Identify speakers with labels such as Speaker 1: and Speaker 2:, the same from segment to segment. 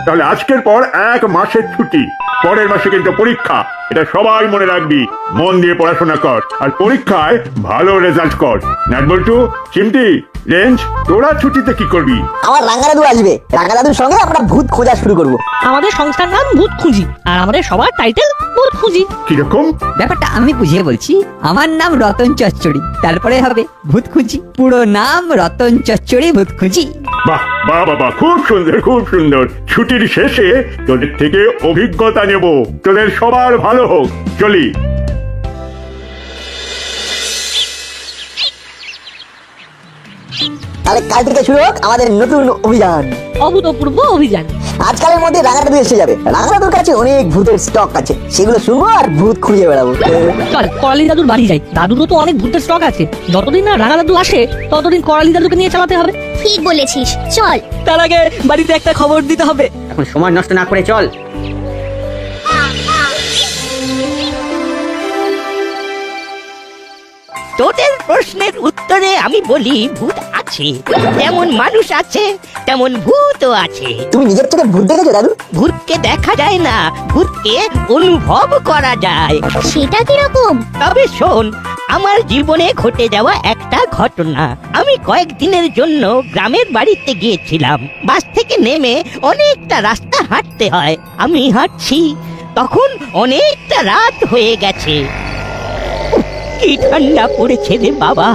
Speaker 1: তাহলে আজকের পর 1 মাসের ছুটি, পরের মাসে কিন্তু পরীক্ষা। এটা সবাই মনে রাখবি। মন দিয়ে পড়াশোনা কর আর পরীক্ষায় ভালো রেজাল্ট কর। নাটবল্টু, চিমটি, রেঞ্জ, তোরা ছুটিতে কি করবি?
Speaker 2: আমার রাঙ্গা দাদু আসবে, রাঙ্গা দাদুর সঙ্গে আমরা ভূত খোঁজা শুরু করব।
Speaker 3: আমাদের সংস্থার নাম ভূত খুঁজি, আর আমাদের সবার টাইটেল ভূত খুঁজি।
Speaker 1: কিরকম?
Speaker 4: ব্যাপারটা আমি বুঝিয়ে বলছি। আমার নাম রতন চচ্চড়ি, তারপরে হবে ভূত খুঁজি। পুরো নাম রতন চচ্চড়ি ভূত খুঁজি।
Speaker 1: বাহ বাহ বাবা, খুব সুন্দর, খুব সুন্দর। ছুটির শেষে তোদের থেকে অভিজ্ঞতা নেব, তোদের সবার ভালো হোক। চলি।
Speaker 2: তাহলে কাল থেকে শুরু হোক আমাদের নতুন অভিযান,
Speaker 3: অভূতপূর্ব অভিযান।
Speaker 2: আজকালের মধ্যে রাঙ্গা দাদু এসে যাবে। রাঙ্গা দাদুর কাছে অনেক ভূতের স্টক আছে, সেগুলো শুনবো আর ভূত খুঁজে বেড়াবো।
Speaker 3: চল করালি দাদুর বাড়ি যাই। দাদুরও তো অনেক ভূতের স্টক আছে। যতদিন না রাঙা দাদু আসে ততদিন করালি দাদুকে নিয়ে চালাতে হবে।
Speaker 5: ঠিক বলেছিস, চল।
Speaker 3: তার আগে বাড়িতে একটা খবর দিতে হবে।
Speaker 6: এখন সময় নষ্ট না করে চল।
Speaker 7: তোদের প্রশ্নের উত্তরে আমি বলি ভূত আছে, যেমন মানুষ আছে তেমন ভূতও আছে।
Speaker 2: তুমি নিজের চোখে ভূত দেখেছো দাদু?
Speaker 7: ভূতকে দেখা যায় না, ভূতকে অনুভব করা যায়।
Speaker 5: সেটা কিরকম?
Speaker 7: তবে শোন, আমার জীবনে ঘটে যাওয়া একটা ঘটনা। আমি কয়েকদিনের জন্য গ্রামের বাড়িতে গিয়েছিলাম। বাস থেকে নেমে অনেকটা রাস্তা হাঁটতে হয়। আমি হাঁটছি, তখন অনেকটা রাত হয়ে গেছে। কি ঠান্ডা পড়েছে রে বাবা।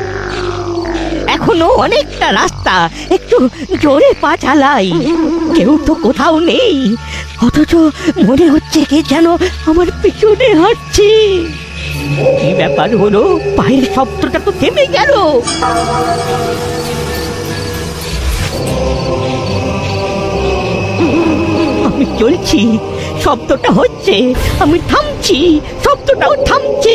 Speaker 7: এখনো অনেকটা রাস্তা, একটু জোরে পা চালাই। কেউ তো কোথাও নেই, অথচ মনে হচ্ছে কে যেন আমার পিছনে হাঁটছে। কি ব্যাপার হলো? পায়ের শব্দটা তো থেমে গেল। আমি চলছি, শব্দটা হচ্ছে, আমি থামছি, শব্দটাও থামছে।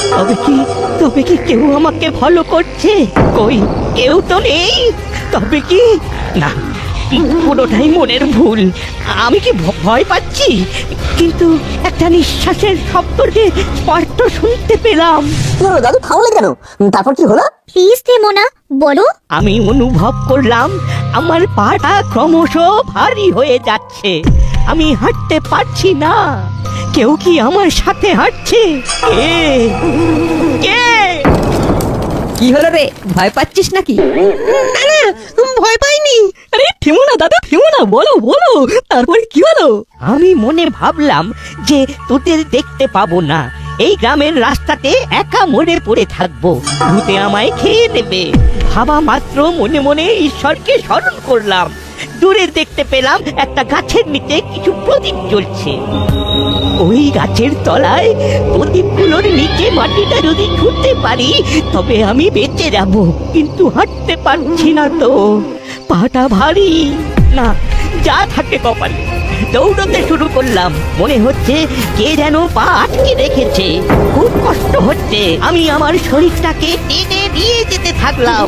Speaker 7: তবে কি কেউ আমাকে ফলো করছে? কই, কেউ তো নেই। তবে কি না, পুরোটাই মনের ভুল। আমি কি ভয় পাচ্ছি? কিন্তু একটা নিঃশ্বাসের শব্দকে স্পষ্ট শুনতে পেলাম।
Speaker 2: কি হলো দাদু, থামলে কেন? তারপর কি হলো?
Speaker 5: প্লিজ থেমো না, বলো।
Speaker 7: আমি অনুভব করলাম আমার পাটা ক্রমশ ভারী হয়ে যাচ্ছে। আমি হাঁটতে পারছি না। কেউ কি আমার সাথে হাঁটছে? কে? কে?
Speaker 4: কি হলো রে, ভয় পাচ্ছিস নাকি?
Speaker 3: ভয় পাইনি। আরে থেমো না দাদা, থেমো না, বলো বলো, তারপরে কি হলো?
Speaker 7: আমি মনে ভাবলাম যে তোদের দেখতে পাবো না, এই গ্রামের রাস্তাতে একা মরে পড়ে থাকবো, ভূতে আমায় খেয়ে নেবে। ভাবা মাত্র মনে মনে ঈশ্বরকে স্মরণ করলাম। দূরে দেখতে পেলাম একটা গাছের নিচে কিছু প্রদীপ জ্বলছে। ওই গাছের তলায় প্রদীপগুলোর নিচে মাটিটা যদি ছুঁতে পারি তবে আমি বেঁচে যাব, কিন্তু হাঁটতে পারছি না তো, পাটা ভারী। না, যা থাকে কপালে। দৌড়তে শুরু করলাম। মনে হচ্ছে কে যেন পা আটকে রেখেছে। খুব কষ্ট হচ্ছে। আমি আমার শরীরটাকে টেনে নিয়ে যেতে থাকলাম।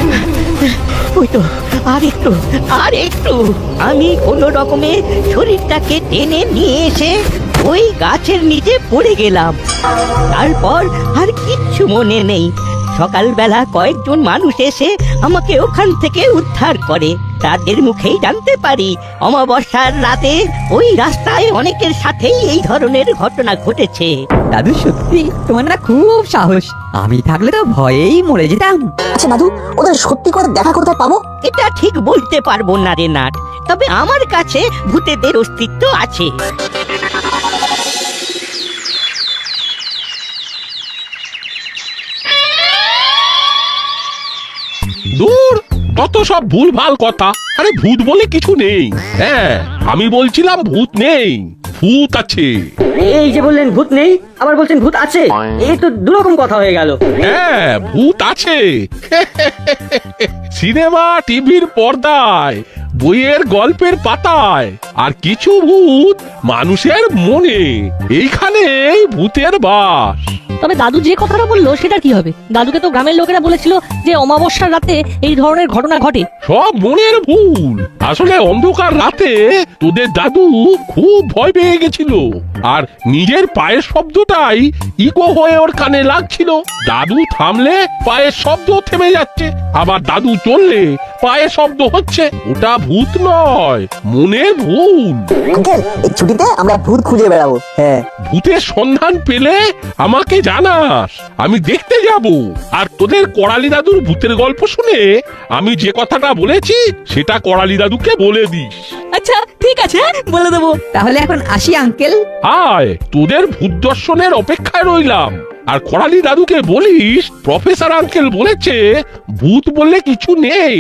Speaker 7: ওই তো, আর একটু। আমি কোনো রকমে শরীরটাকে টেনে নিয়ে এসে ওই গাছের নিচে পড়ে গেলাম। তারপর আর কিচ্ছু মনে নেই। সকালবেলা কয়েকজন মানুষ এসে আমাকে ওখান থেকে উদ্ধার করে। তাদের মুখেই জানতে পারি অমাবস্যার রাতে ওই রাস্তায় অনেকের সাথেই এই ধরনের ঘটনা ঘটেছে।
Speaker 4: দাদু সত্যি তোমার না খুব সাহস। আমি থাকলে তো ভয়েই মরে যেতাম।
Speaker 2: আচ্ছা দাদু, ওদের সত্যি করে দেখা কোথায় পাবো?
Speaker 7: এটা ঠিক বলতে পারবো না রে নাট, তবে আমার কাছে ভূতেদের অস্তিত্ব আছে।
Speaker 8: দূর, কত সব ভুলভাল কথা। আরে ভূত বলে কিছু নেই। হ্যাঁ, আমি বলছিলাম ভূত নেই, ভূত আছে।
Speaker 6: এই যে বললেন ভূত নেই, আবার বলছেন ভূত আছে, এই তো দুরকম কথা হয়ে গেল।
Speaker 8: হ্যাঁ, ভূত আছে। সিনেমা টিভির পর্দায়, বইয়ের গল্পের পাতায়, আর কিছু ভূত মানুষের মনে। এইখানেই ভূতের বাস।
Speaker 3: তবে দাদু যে কথাটা বললো সেটা কি হবে? দাদুকে তো গ্রামের লোকেরা বলেছিল যে অমাবস্যার রাতে এই ধরনের ঘটনা ঘটে।
Speaker 8: সব মনের ভুল। আসলে অন্ধকার রাতে তোদের দাদু খুব ভয় পেয়ে গেছিল, আর নিজের পায়ের শব্দটাই ইকো হয়ে ওর কানে লাগছিল। দাদু থামলে পায়ের শব্দ থেমে যাচ্ছে, আবার দাদু চললে পায়ের শব্দ হচ্ছে। ওটা ভূত নয়, মনের ভুল।
Speaker 2: আঙ্কেল এই ছুটিতে আমরা ভূত খুঁজে বেড়াবো। হ্যাঁ
Speaker 8: ভূতের সন্ধান পেলে আমাকে জানাস, আমি দেখতে যাব। আর তোদের করালি দাদুর ভূতের গল্প শুনে আমি যে কথাটা বলেছি সেটা করালি দাদুকে বলে দিস।
Speaker 3: আচ্ছা ঠিক আছে, বলে দেবো।
Speaker 4: তাহলে এখন আসি আঙ্কেল।
Speaker 8: আয়, তোদের ভূত দর্শনের অপেক্ষায় রইলাম। আর করালি দাদুকে বলিস প্রফেসর আঙ্কেল বলেছে ভূত বললে কিছু নেই।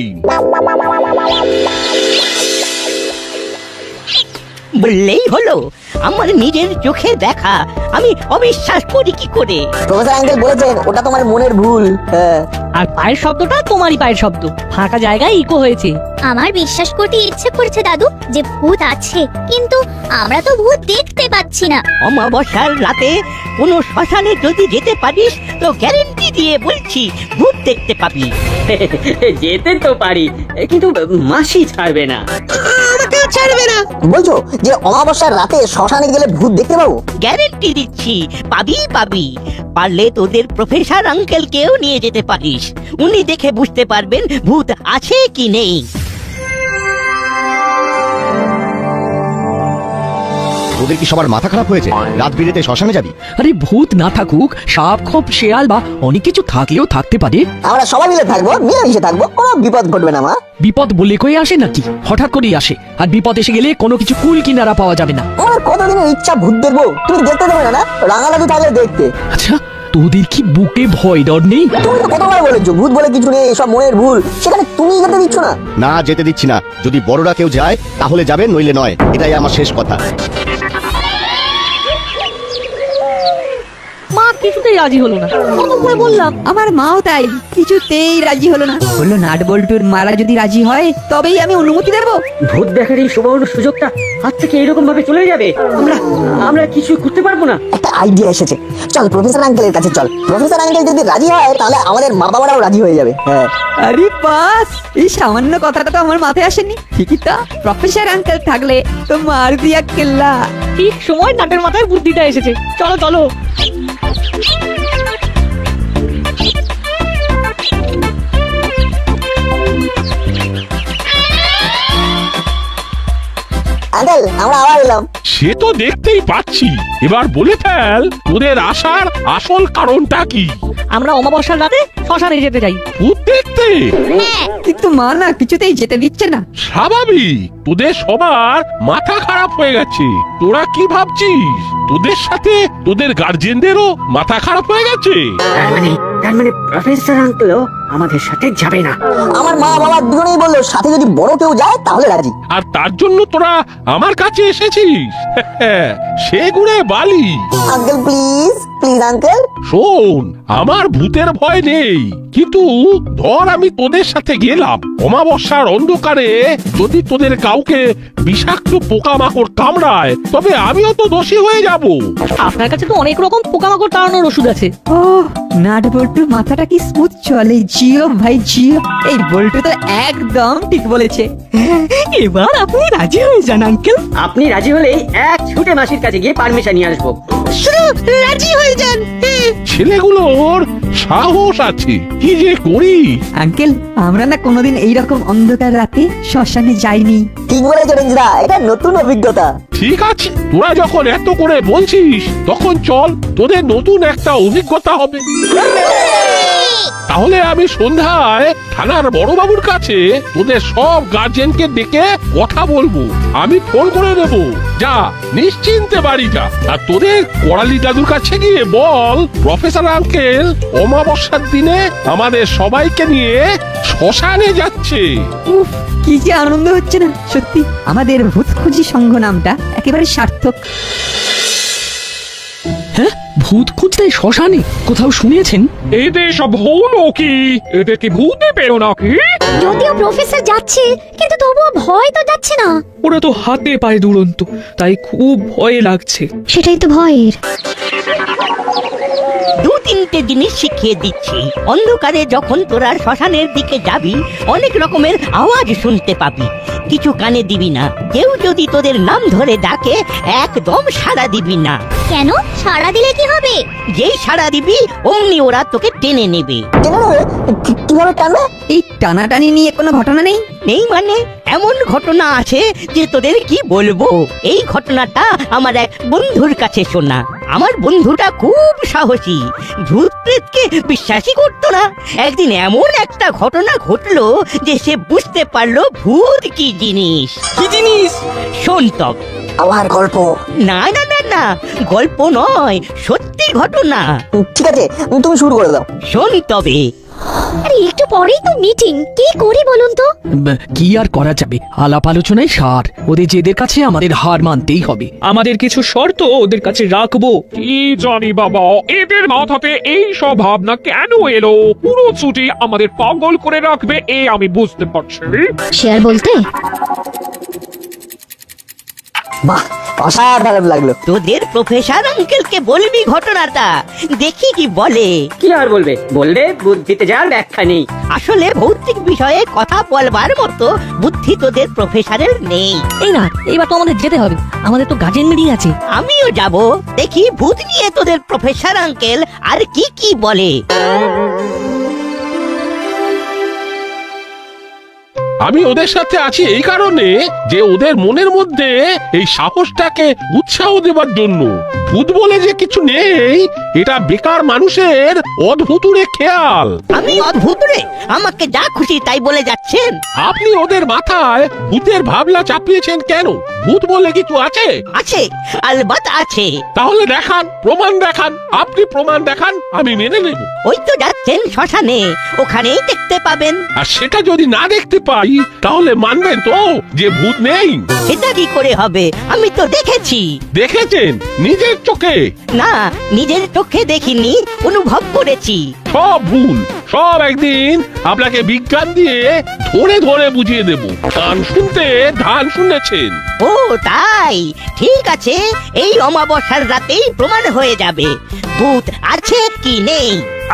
Speaker 7: বললেই হলো, আমার নিজের চোখে দেখা আমি অবিশ্বাস করি কি করে?
Speaker 2: প্রফেসর আঙ্কেল বলেছেন ওটা তোমার মনের ভুল। হ্যাঁ
Speaker 3: আর পায়ের শব্দটা তোমারই পায়ের শব্দ, ফাঁকা জায়গায় ইকো হয়েছে।
Speaker 5: আমার বিশ্বাস করতে ইচ্ছে করছে দাদু যে ভূত আছে, কিন্তু আমরা তো ভূত দেখতে পাচ্ছি না।
Speaker 7: অমাবস্যার রাতে কোনো শ্মশানে যদি যেতে পারিস তো গ্যারেন্টি দিয়ে বলছি ভূত দেখতে পাবি।
Speaker 6: যেতে তো পারি, কিন্তু মাসি ছাড়বে না।
Speaker 2: বলছো যে অমাবস্যার রাতে শ্মশানে গেলে ভূত দেখতে পাবো?
Speaker 7: গ্যারেন্টি দিচ্ছি পাবি পাবি। পারলে তোদের প্রফেসর আঙ্কেলকেও নিয়ে যেতে পারিস, উনি দেখে বুঝতে পারবেন ভূত আছে কি নেই।
Speaker 9: তোদের কি সবার মাথা খারাপ হয়েছে? রাত বিরেতে শ্মশানে যাবি?
Speaker 10: আরে ভূত না থাকুক, সাপ খোপ শেয়াল বা অনেক কিছু থাকলেও থাকতে পারে।
Speaker 2: আমরা সবাই মিলে থাকবো, মিলেমিশে থাকবো, কোনো বিপদ ঘটবে না মা।
Speaker 10: বিপদ বলে কই আসে নাকি? হঠাৎ করেই আসে, আর বিপদ এসে গেলে কোনো কিছু কুল কিনারা পাওয়া যাবে না।
Speaker 2: আমার কতদিনের ইচ্ছা ভূত দেখবো, তুমি দেখতে দেবে না? না রাঙা দাদু থাকলে দেখতে।
Speaker 10: আচ্ছা, তোদের কি বুকে ভয় ডর নেই?
Speaker 2: তুমি তো কতবার বলেছো ভূত বলে কিছু নেই, এসব মনের ভুল, সেখানে তুমি যেতে দিচ্ছ না।
Speaker 9: না, যেতে দিচ্ছি না। যদি বড়রা কেউ যায় তাহলে যাবে, নইলে নয়। এটাই আমার শেষ কথা।
Speaker 3: মা কিছুতেই রাজি হলো না, কত করে বললাম।
Speaker 4: আমার মাও তাই, কিছুতেই রাজি হলো না। বললো নাট বল্টুর মারা যদি রাজি হয় তবেই আমি অনুমতি দেবো।
Speaker 6: ভূত দেখার এই সুবর্ণ সুযোগটা হাত থেকে এরকম ভাবে চলে যাবে, আমরা কিছু করতে পারবো না।
Speaker 2: একটা আইডিয়া এসেছে, চল প্রফেসর আঙ্কেলের কাছে চল। প্রফেসর আঙ্কেল যদি রাজি হয় তাহলে আমাদের মা বাবারাও রাজি হয়ে যাবে। হ্যাঁ
Speaker 4: আরে বাস, এই সামান্য কথাটা তো আমার মাথায় আসেনি। ঠিকই তো, প্রফেসর আঙ্কেল থাকলে তো মার দিয়া কেল্লা।
Speaker 3: ঠিক সময় নাটের মাথায় বুদ্ধিটা এসেছে। চলো চলো।
Speaker 2: আঙ্কেল আমরা আবার এলাম।
Speaker 8: সে তো দেখতেই পাচ্ছি। এবার বলে ফেল তোদের আসার আসল কারণটা কি?
Speaker 3: আমরা অমাবস্যার রাতে শ্মশানে যেতে চাই।
Speaker 8: ভূত দেখতে?
Speaker 4: কিন্তু মা না কিছুতেই যেতে দিচ্ছে না।
Speaker 8: স্বাভাবিক, তোদের সবার মাথা খারাপ হয়ে গেছে। তোরা কি ভাবছিস তোদের সাথে তোদের গার্জেনদেরও মাথা খারাপ হয়ে গেছে?
Speaker 6: তার মানে প্রফেসর আঙ্কেলও আমাদের সাথে যাবে না?
Speaker 2: আমার মা বাবা দুজনেই বললো সাথে যদি বড় কেউ যায় তাহলে রাজি।
Speaker 8: আর তার জন্য তোরা আমার কাছে এসেছিস? সে গুড়ে বালি।
Speaker 2: Uncle please please uncle.
Speaker 8: শোন, আমার ভূতের ভয় নেই, কিন্তু ধর আমি তোদের সাথে গেলাম, অমাবস্যার অন্ধকারে যদি তোদের কাউকে বিষাক্ত পোকামাকড় কামড়ায় তবে আমিও তো দোষী হয়ে যাব।
Speaker 3: আপনার কাছে তো অনেক রকম পোকামাকড় তাড়ানোর ওষুধ আছে।
Speaker 4: ও নাট বল্টুর মাথাটা কি স্মুথ চলে। জিও ভাই জিও, এই বল্টু তো একদম ঠিক বলেছে।
Speaker 10: এবার আপনি রাজি হয়ে যান আঙ্কেল।
Speaker 6: আপনি রাজি হলেই এক ছুটে মাসির কাছে গিয়ে পারমিশন নিয়ে আসবো।
Speaker 10: রাজি হয়ে যান।
Speaker 8: ছেলেগুলোর সাহস আছে, কি যে করি।
Speaker 4: আঙ্কেল আমরা না কোনোদিন এইরকম অন্ধকার রাতে শ্মশানে যাইনি।
Speaker 2: ঠিক বলেছো রেঞ্জদা, এটা নতুন অভিজ্ঞতা।
Speaker 8: ঠিক আছে, তোরা যখন এত করে বলছিস তখন চল, তোদের নতুন একটা অভিজ্ঞতা হবে। তাহলে আমি সন্ধ্যায় থানার বড়বাবুর কাছে তোদের সব গার্জেনকে ডেকে কথা বলবো। আমি ফোন করে দেব, যা নিশ্চিন্তে বাড়ি যা। আর তোদের করালি দাদুর কাছে গিয়ে বল প্রফেসর আঙ্কেল অমাবস্যার দিনে আমাদের সবাইকে নিয়ে শ্মশানে যাচ্ছে।
Speaker 4: উফ কি যে আনন্দ হচ্ছে না সত্যি। আমাদের ভূত খুঁজি সংঘ নামটা একেবারে সার্থক।
Speaker 10: হ্যাঁ, ভূত খুঁজতে শ্মশানে কোথাও শুনেছেন?
Speaker 11: এদের সব হলো কি? এদের কি ভূতে পেরো নাকি?
Speaker 5: যদিও প্রফেসর যাচ্ছে, কিন্তু তবুও ভয় তো যাচ্ছে না।
Speaker 11: ওরা তো হাতে পায়ে দুরন্ত, তাই খুব ভয় লাগছে।
Speaker 5: সেটাই তো ভয়ের।
Speaker 7: দু তিনটে জিনিস শিখিয়ে দিচ্ছি। অন্ধকারে যখন তোরা শ্মশানের দিকে যাবি, অনেক রকমের আওয়াজ শুনতে পাবি। কিছু কানে দিবি না। কেউ যদি তোদের নাম ধরে ডাকে, একদম সাড়া দিবি না।
Speaker 5: কেন? সাড়া দিলে কি হবে?
Speaker 7: যেই সাড়া দিবি অমনি ওরা তোকে টেনে নেবে।
Speaker 2: টেনে নেবে? কিভাবে টানবে?
Speaker 4: এই টানাটানি নিয়ে কোনো ঘটনা নেই?
Speaker 7: নেই মানে এমন ঘটনা আছে যে তোদের কি বলবো। এই ঘটনাটা আমার এক বন্ধুর কাছে শোনা। আমার বন্ধুটা খুব সাহসী, ভূত প্রেতকে বিশ্বাসই করতো না। একদিন এমন একটা ঘটনা ঘটলো যে সে বুঝতে পারলো ভূত কি জিনিস।
Speaker 10: কি জিনিস?
Speaker 7: শোন তবে।
Speaker 2: আবার গল্প?
Speaker 7: না না না না, গল্প নয়, সত্যি ঘটনা।
Speaker 2: ঠিক আছে, তুমি শুরু করে দাও।
Speaker 7: শোন তবে।
Speaker 5: আরে একটু পরেই তো মিটিং, কি করি বলুন তো?
Speaker 10: কি আর করা যাবে, আলাপ আলোচনায় সার। ওদের জেদের কাছে আমাদের হার মানতেই হবে।
Speaker 11: আমাদের কিছু শর্ত ওদের কাছে রাখবো। কি জানি বাবা, এদের মাথাতে এই সব ভাবনা কেন এলো? পুরো ছুটি আমাদের পাগল করে রাখবে, এ আমি বুঝতে পারছি।
Speaker 5: শেয়ার বলতে
Speaker 2: বাহ, অসাধারণ লাগলো।
Speaker 7: তোদের প্রফেসর আঙ্কেলকে বলবি ঘটনাটা, দেখি কি বলে।
Speaker 6: কি আর বলবে? বললে বুদ্ধিতে যার ব্যাখ্যা নেই।
Speaker 7: আসলে ভৌতিক বিষয়ে কথা বলবার মতো বুদ্ধি তোদের প্রফেসরের নেই।
Speaker 3: এই না, এইবার তো আমাদের যেতে হবে, আমাদের তো গার্জেন মিটিং আছে।
Speaker 7: আমিও যাব, দেখি ভূত নিয়ে তোদের প্রফেসর আঙ্কেল আর কি কি বলে।
Speaker 8: আমি ওদের সাথে আছি এই কারণে যে ওদের মনের মধ্যে এই সাহসটাকে উৎসাহ দেবার জন্য। ভূত বলে যে কিছু নেই, এটা বেকার মানুষের অদ্ভুতুরে খেয়াল।
Speaker 7: আমি অদ্ভুত রে? আমাকে যা খুশি তাই বলে যাচ্ছেন।
Speaker 8: আপনি ওদের মাথায় ভূতের ভাবনা চাপিয়েছেন কেন? ভূত বলে কিছু আছে?
Speaker 7: আছে, আলবাত আছে।
Speaker 8: তাহলে দেখান, প্রমাণ দেখান। আপনি প্রমাণ দেখান, আমি মেনে নেব।
Speaker 7: ওই তো যাচ্ছেন শ্মশানে, ওখানেই দেখতে পাবেন।
Speaker 8: আর সেটা যদি না দেখতে পাই তাহলে মানবেন তো যে ভূত নেই?
Speaker 7: সেটা কি করে হবে? আমি তো দেখেছি।
Speaker 8: দেখেছেন নিজের চোখে?
Speaker 7: না, নিজের চোখে দেখিনি, অনুভব করেছি।
Speaker 8: সব ভুল, সব একদিন আপনাকে বিজ্ঞান দিয়ে ধরে ধরে বুঝিয়ে দেব। গান শুনতে ধান শুনেছেন।
Speaker 7: ও তাই, ঠিক আছে, এই অমাবস্যার রাতেই প্রমাণ হয়ে যাবে ভূত আছে কি নেই।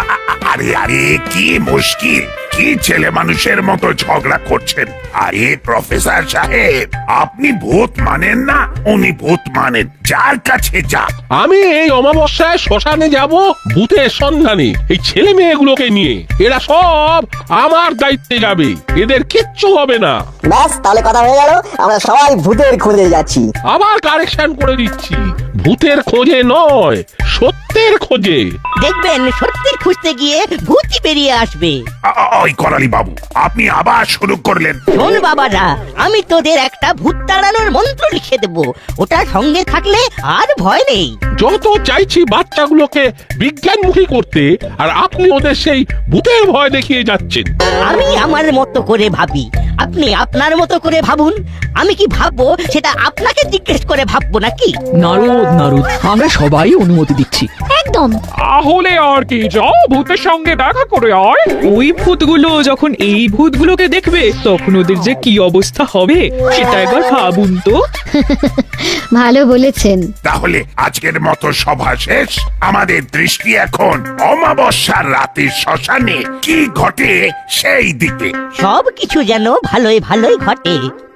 Speaker 12: আরে আরে, কি মুশকিল, কি ছেলে মানুষের মতো ঝগড়া করছেন? আরে প্রফেসর সাহেব, আপনি ভূত মানেন না, উনি ভূত মানেন। যার কাছে যা।
Speaker 8: আমি এই অমাবস্যায় শ্মশানে যাব ভূতের সন্ধানে, এই ছেলে মেয়েগুলোকে নিয়ে। এরা সব আমার দায়িত্বে যাবে, এদের কিচ্ছু হবে না।
Speaker 2: ব্যাস, তাহলে কথা হয়ে গেল, আমরা সবাই ভূতের খোঁজে যাচ্ছি।
Speaker 8: আবার কারেকশন করে দিচ্ছি, ভূতের খোঁজে নয়, সত্যের খোঁজে।
Speaker 7: দেখবেন সত্যি খুঁজতে গিয়ে ভূতই বেরিয়ে আসবে।
Speaker 12: ওই করালি বাবু, আপনি আবার শুরু করলেন।
Speaker 7: শোন বাবারা, আমি তোদের একটা ভূত তাড়ানোর মন্ত্র লিখে দেব, ওটা সঙ্গে থাকলে আর ভয় নেই।
Speaker 8: যত চাইছি বাচ্চাগুলোকে বিজ্ঞানমুখী করতে, আর আপনি ওদের সেই ভূতের ভয় দেখিয়ে যাচ্ছেন।
Speaker 7: আমি আমার মতো করে ভাবি, আপনি আপনার মতো করে ভাবুন। আমি কি ভাববো সেটা আপনাকে জিজ্ঞেস করে ভাববো নাকি?
Speaker 10: নারদ নারদ, আমরা সবাই অনুমতি দিচ্ছি।
Speaker 5: একদম।
Speaker 11: তাহলে আর কি, যাও ভূতের সঙ্গে দেখা করে আয়।
Speaker 13: ওই ভূতগুলো যখন এই ভূতগুলোকে দেখবে তখন ওদের যে কি অবস্থা হবে সেটা একবার ভাবুন তো।
Speaker 5: ভালো বলেছেন।
Speaker 12: তাহলে আজকের মতো সভা শেষ। আমাদের দৃষ্টি এখন অমাবস্যার রাতের শ্মশানে কি ঘটে সেই দিকে।
Speaker 7: সব কিছু যেন ভালোই ভালোই ঘটে।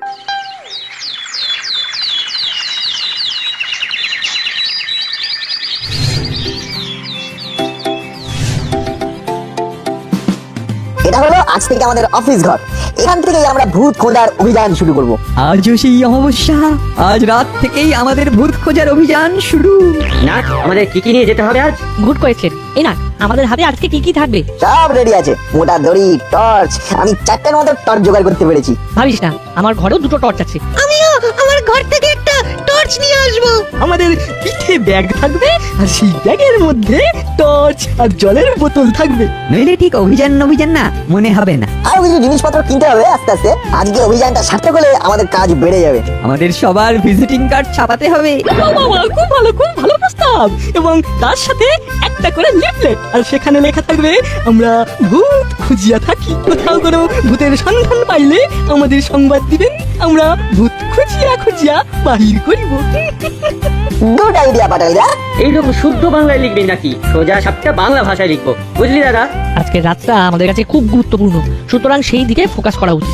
Speaker 2: এটা হলো আজ থেকে আমাদের অফিস ঘর। এখান থেকেই আমরা ভূত খোঁজার অভিযান শুরু করব।
Speaker 4: আজও সেই অমাবস্যা, আজ রাত থেকেই আমাদের ভূত খোঁজার অভিযান শুরু।
Speaker 6: না, আমাদের কি কি নিয়ে যেতে হবে আজ?
Speaker 3: Good question. এই না, আমাদের হাতে আজকে কি কি থাকবে?
Speaker 2: সব রেডি আছে, মোটা দড়ি, টর্চ। আমি 4টার মতো টর্চ জোগাড় করতে পেরেছি।
Speaker 3: ভাবিস না, আমার ঘরেও 2টো টর্চ আছে।
Speaker 4: আমিও আমার ঘর থেকে একটা টর্চ নিয়ে আসবো। আমাদের পিঠে ব্যাগ থাকবে, আর সেই ব্যাগের মধ্যে টর্চ আর জলের বোতল থাকবে। নইলে ঠিক অভিযান না মনে হবে না।
Speaker 2: আরো কিছু জিনিসপত্র কিনতে হবে আস্তে আস্তে। আজকে অভিযানটা সার্থক হলে আমাদের কাজ বেড়ে যাবে।
Speaker 4: আমাদের সবার ভিজিটিং কার্ড ছাপাতে হবে।
Speaker 3: খুব ভালো প্রস্তাব। এবং তার সাথে একটা করে লিফলেট, আর সেখানে লেখা থাকবে আমরা ভূত খুঁজিয়া থাকি। কোথাও কোনো ভূতের সন্ধান পাইলে আমাদের সংবাদ দিবেন, আমরা ভূত খুঁজিয়া বাহির করিব।
Speaker 2: গুড আইডিয়া পাটালিদা।
Speaker 6: এইরকম শুদ্ধ বাংলায় লিখবি নাকি সোজা সাপটা বাংলা ভাষায় লিখবো, বুঝলি দাদা?
Speaker 3: আজকের রাতটা আমাদের কাছে খুব গুরুত্বপূর্ণ, সুতরাং সেই দিকে ফোকাস করা উচিত।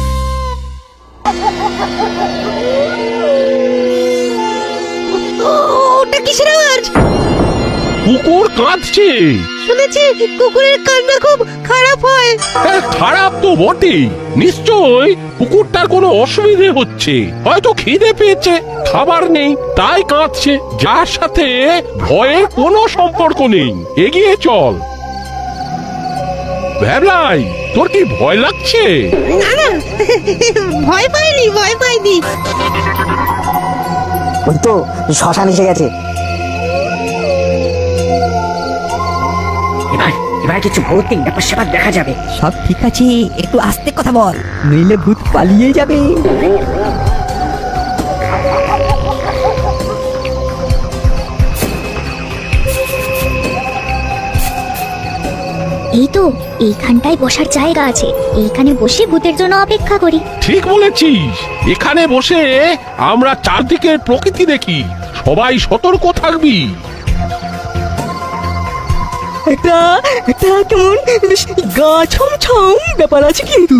Speaker 4: ওটা কিসের আওয়াজ?
Speaker 8: কুকুর কাঁদছে।
Speaker 4: শুনেছি কুকুরের কান্না খুব খারাপ হয়।
Speaker 8: হ্যাঁ, খারাপ তো বটেই। নিশ্চয় কুকুরটার কোনো অসুবিধে হচ্ছে, হয়তো খিদে পেয়েছে, খাবার নেই, তাই কাঁদছে। যার সাথে ভয়ের কোনো সম্পর্ক নেই। এগিয়ে চল। ভ্যাবলাই, তোর কি ভয় লাগছে?
Speaker 4: না না, ভয় পাইনি, ভয় পাইনি।
Speaker 2: ওই তো শ্মশান এসে গেছে।
Speaker 6: এবার কিছু ভৌতিক ব্যাপার স্যাপার দেখা যাবে।
Speaker 4: সব ঠিক আছে, একটু আস্তে কথা বল, নইলে ভূত পালিয়ে যাবে।
Speaker 5: এই তো এইখানটায় বসার জায়গা আছে, এইখানে বসে ভূতের জন্য অপেক্ষা করি।
Speaker 8: ঠিক বলেছিস, এখানে বসে আমরা চারদিকের প্রকৃতি দেখি। সবাই সতর্ক থাকবি।
Speaker 3: একটা একটা কেমন বেশ গা ছমছম ব্যাপার আছে কিন্তু।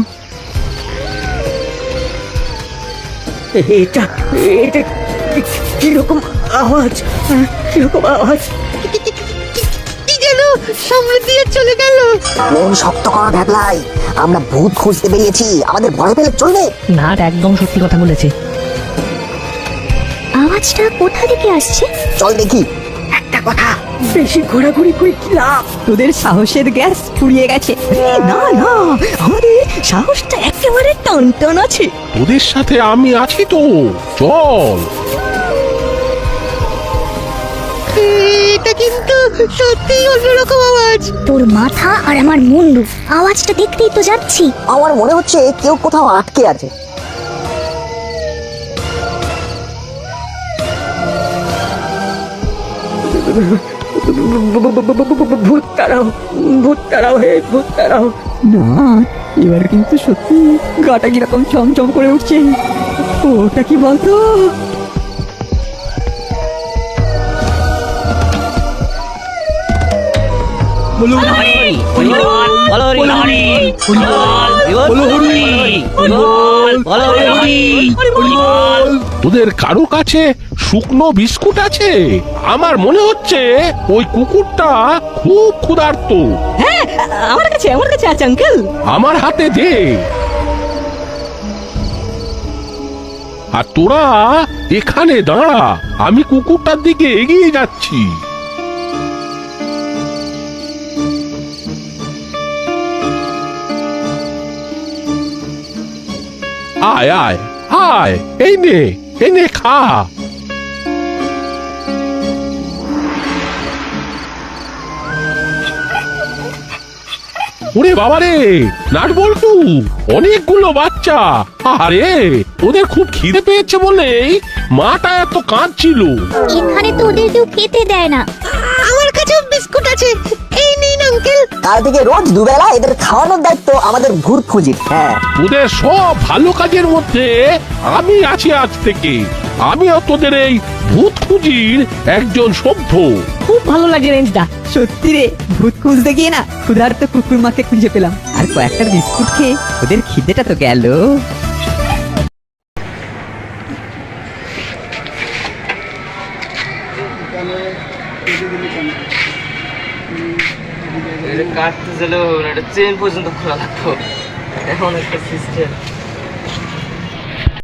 Speaker 6: এটা এটা কিরকম আওয়াজ? কিরকম আওয়াজ?
Speaker 4: কি যেন সামনে দিয়ে চলে গেল।
Speaker 2: মন শক্ত কর ভ্যাবলাই, আমরা ভূত খুঁজতে বেরিয়েছি, আমাদের ভয় পেলে চলবে?
Speaker 3: নাট একদম সত্যি কথা বলেছে।
Speaker 5: আওয়াজটা কোথা থেকে আসছে?
Speaker 2: চল দেখি।
Speaker 6: একটা কথা, বেশি ঘোরাঘুরি করে কি লাভ?
Speaker 4: তোদের সাহসের গ্যাস ফুরিয়ে গেছে।
Speaker 3: না না, আমাদের সাহসটা একেবারে টান টান আছে।
Speaker 8: তোদের সাথে আমি আছি তো, চল।
Speaker 4: এটা কিন্তু সত্যি অন্যরকম আওয়াজ।
Speaker 5: তোর মাথা আর আমার মুন্ডু, আওয়াজটা দেখতেই তো যাচ্ছি।
Speaker 2: আমার মনে হচ্ছে কেউ কোথাও আটকে আছে।
Speaker 6: ভূত তাড়াও, ভূত তাড়াও, হে ভূত তাড়াও।
Speaker 4: না, এবার কিন্তু সত্যি গাটা কিরকম চমচম করে উঠছে। ওটা কি বলতো?
Speaker 8: তোদের কারো কাছে শুকনো বিস্কুট আছে? আমার মনে হচ্ছে ওই কুকুরটা খুব ক্ষুধার্ত।
Speaker 3: হ্যাঁ, আমার কাছে আছে আঙ্কেল।
Speaker 8: আমার হাতে দে। আর তোরা এখানে দাঁড়া, আমি কুকুরটার দিকে এগিয়ে যাচ্ছি। আয় আয় আয়, এই নে খা। ওরে বাবারে, নাট বল্টু, অনেকগুলো বাচ্চা। আরে ওদের খুব খিদে পেয়েছে বলেই মাটা এত কাঁদছিল।
Speaker 5: এখানে তো ওদের কেউ খেতে দেয় না।
Speaker 4: আমার কাছেও বিস্কুট আছে, এই নিন আঙ্কেল।
Speaker 2: কাল থেকে রোজ দুবেলা এদের খাওয়ানোর দায়িত্ব আমাদের ভূত খুঁজির। হ্যাঁ,
Speaker 8: তোদের সব ভালো কাজের মধ্যে আমি আছি আজ থেকে। আমিও তোদের এই ভূত খুঁজির একজন সভ্য।
Speaker 3: খুব ভালো লাগে রেঞ্জটা।
Speaker 4: সত্যি রে, ভূত খুঁজতে গিয়ে না ক্ষুধার্ত কুকুর মাকে খুঁজে পেলাম, আর কয়েকটা বিস্কুট খেয়ে ওদের খিদেটা তো গেল।
Speaker 6: কাটতে গেলেও একটা চেন পর্যন্ত খোলা লাগতো, এখন একটা সিস্টেম।